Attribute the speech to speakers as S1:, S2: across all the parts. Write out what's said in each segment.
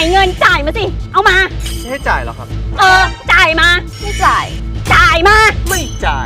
S1: เงินจ่ายมาสิ เอามา
S2: ไม่ให้จ่ายหรอครับ
S1: จ่ายมา
S3: ไม่จ่าย
S1: จ่ายมา
S2: ไม่จ่าย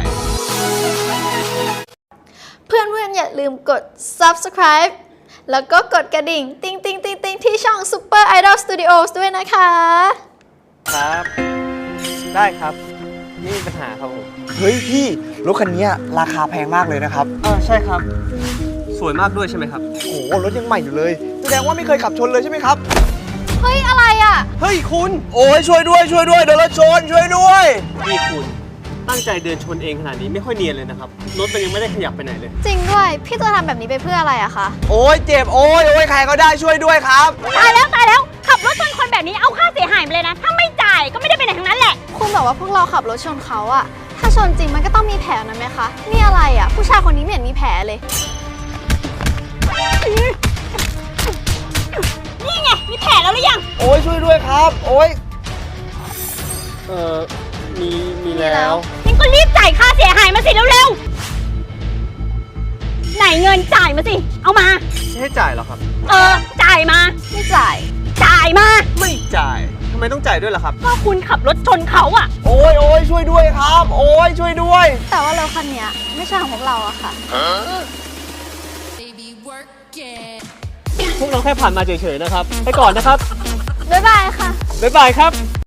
S3: เพื่อนๆอย่าลืมกด subscribe แล้วก็กดกระดิ่งติ๊งติ๊งติ๊งติ๊งที่ช่อง Super Idol Studios ด้วยนะคะ
S2: ครับ ได้ครับไม่มีปัญหาครับผม
S4: เฮ้ยพี่รถคันนี้ราคาแพงมากเลยนะครับ
S2: ใช่ครับ สวยมากด้วยใช่ไหมครับ
S4: โอ้โหรถยังใหม่อยู่เลยแสดงว่าไม่เคยขับชนเลยใช่ไหมครับ
S3: เฮ้ย อะไรอ่ะ
S2: เฮ้ยคุณ
S4: โอ้ยช่วยด้วยโดนรถชนช่วยด้วย
S2: นี่คุณตั้งใจเดินชนเองขนาดนี้ไม่ค่อยเนียนเลยนะครับรถมันยังไม่ได้ขยับไปไหนเลย
S3: จริงด้วย พี่จะทำแบบนี้ไปเพื่ออะไรอะคะ
S4: โอ้ยเจ็บโอ้ยใครก็ได้ช่วยด้วยครับ
S1: ตายแล้วขับรถชนคนแบบนี้เอาค่าเสียหายไปเลยนะ ถ้าไม่จ่ายก็ไม่ได้ไปไหนทั้งนั้นแหละ
S3: คุณบอกว่าพวกเราขับรถชนเขาอะถ้าชนจริงมันก็ต้องมีแผลนะไหมคะ นี่อะไรอะผู้ชายคนนี้ไม่เห็นมีแผลเลย
S1: นี่ไงมีแผลแล้วหรือยัง
S4: โอ้ยช่วยด้วยครับโอ้ย
S2: มีแล้ว
S1: งั้นก็รีบจ่ายค่าเสียหายมาสิเร็วๆไหนเงินจ่ายมาสิ เอามา
S2: ไม่ให้จ่ายหรอครับ
S1: จ่ายมา
S3: ไม่จ่าย
S1: จ่ายมา
S2: ไม่จ่ายทำไมต้องจ่ายด้วยล่ะครับ
S1: ก็คุณขับรถชนเขาอะ
S4: โอ้ยช่วยด้วยครับโอ้ยช่วยด้วย
S3: แต่ว่ารถคันนี้ไม่ใช่ของพวกเราอะค่ะ
S2: พวกเราแค่ผ่านมาเฉยๆนะครับ ไปก่อนนะครับ
S3: บ๊ายบายค่ะ
S2: บ๊ายบายครับ